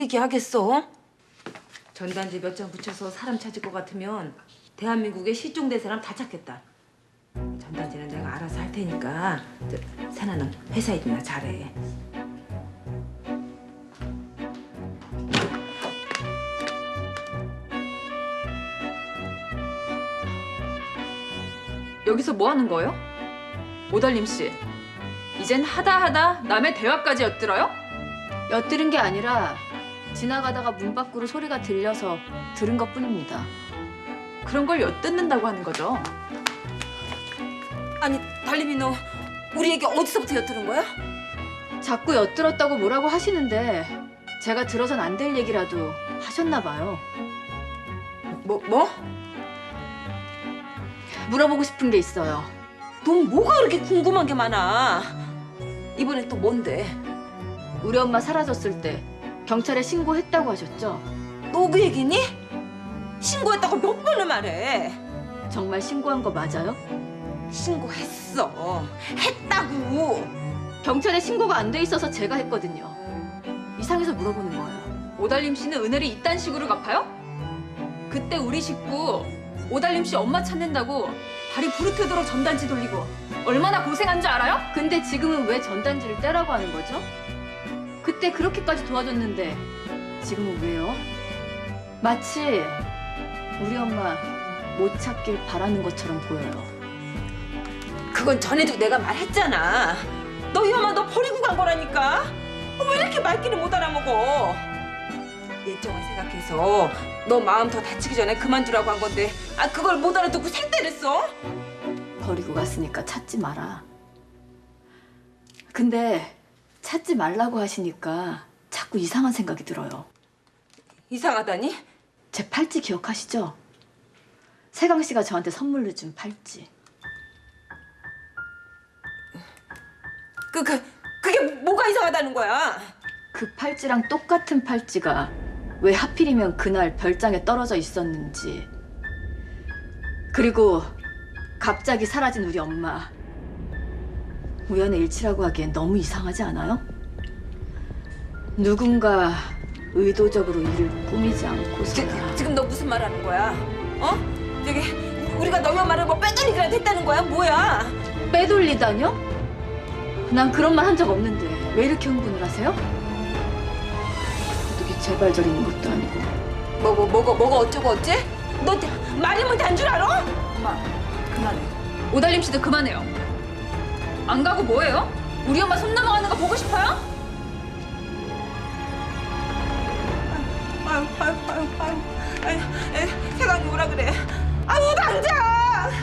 얘기하겠어? 전단지 몇 장 붙여서 사람 찾을 것 같으면 대한민국에 실종된 사람 다 찾겠다. 전단지는 내가 알아서 할 테니까 세나는 회사 일이나 잘해. 여기서 뭐 하는 거예요? 오달림 씨, 이젠 하다 남의 대화까지 엿들어요? 엿들은 게 아니라 지나가다가 문 밖으로 소리가 들려서 들은 것뿐입니다. 그런 걸 엿듣는다고 하는 거죠. 아니 달림이 너 우리 얘기 어디서부터 엿들은 거야? 자꾸 엿들었다고 뭐라고 하시는데 제가 들어선 안 될 얘기라도 하셨나 봐요. 뭐? 물어보고 싶은 게 있어요. 넌 뭐가 그렇게 궁금한 게 많아? 이번엔 또 뭔데? 우리 엄마 사라졌을 때 경찰에 신고했다고 하셨죠? 너 그 얘기니? 신고했다고 몇 번을 말해? 정말 신고한 거 맞아요? 신고했어. 했다고. 경찰에 신고가 안 돼 있어서 제가 했거든요. 이상해서 물어보는 거예요. 오달림 씨는 은혜를 이딴 식으로 갚아요? 그때 우리 식구 오달림 씨 엄마 찾는다고 발이 부르트도록 전단지 돌리고 얼마나 고생한 줄 알아요? 근데 지금은 왜 전단지를 떼라고 하는 거죠? 그때 그렇게까지 도와줬는데 지금은 왜요? 마치 우리 엄마 못 찾길 바라는 것처럼 보여요. 그건 전에도 내가 말했잖아. 너 이 엄마 너 버리고 간 거라니까. 왜 이렇게 말귀를 못 알아먹어? 예정을 생각해서 너 마음 더 다치기 전에 그만두라고 한 건데 그걸 못 알아듣고 생떼를 써? 버리고 갔으니까 찾지 마라. 근데 찾지 말라고 하시니까 자꾸 이상한 생각이 들어요. 이상하다니? 제 팔찌 기억하시죠? 세강 씨가 저한테 선물로 준 팔찌. 그게 뭐가 이상하다는 거야? 그 팔찌랑 똑같은 팔찌가 왜 하필이면 그날 별장에 떨어져 있었는지, 그리고 갑자기 사라진 우리 엄마, 우연의 일치라고 하기엔 너무 이상하지 않아요? 누군가 의도적으로 이를 꾸미지 않고서야. 지금 너 무슨 말 하는 거야? 어? 저기 우리가 너희 엄마를 뭐 빼돌리기라도 했다는 거야? 뭐야? 빼돌리다뇨? 난 그런 말 한 적 없는데 왜 이렇게 흥분을 하세요? 도둑이 제발 저리는 것도 아니고. 뭐가 어쩌고 어째? 너 말이면 단 줄 알아? 엄마, 그만해. 오달림 씨도 그만해요. 안 가고 뭐해요? 우리 엄마 손 넘어가는 거 보고 싶어요? 아유.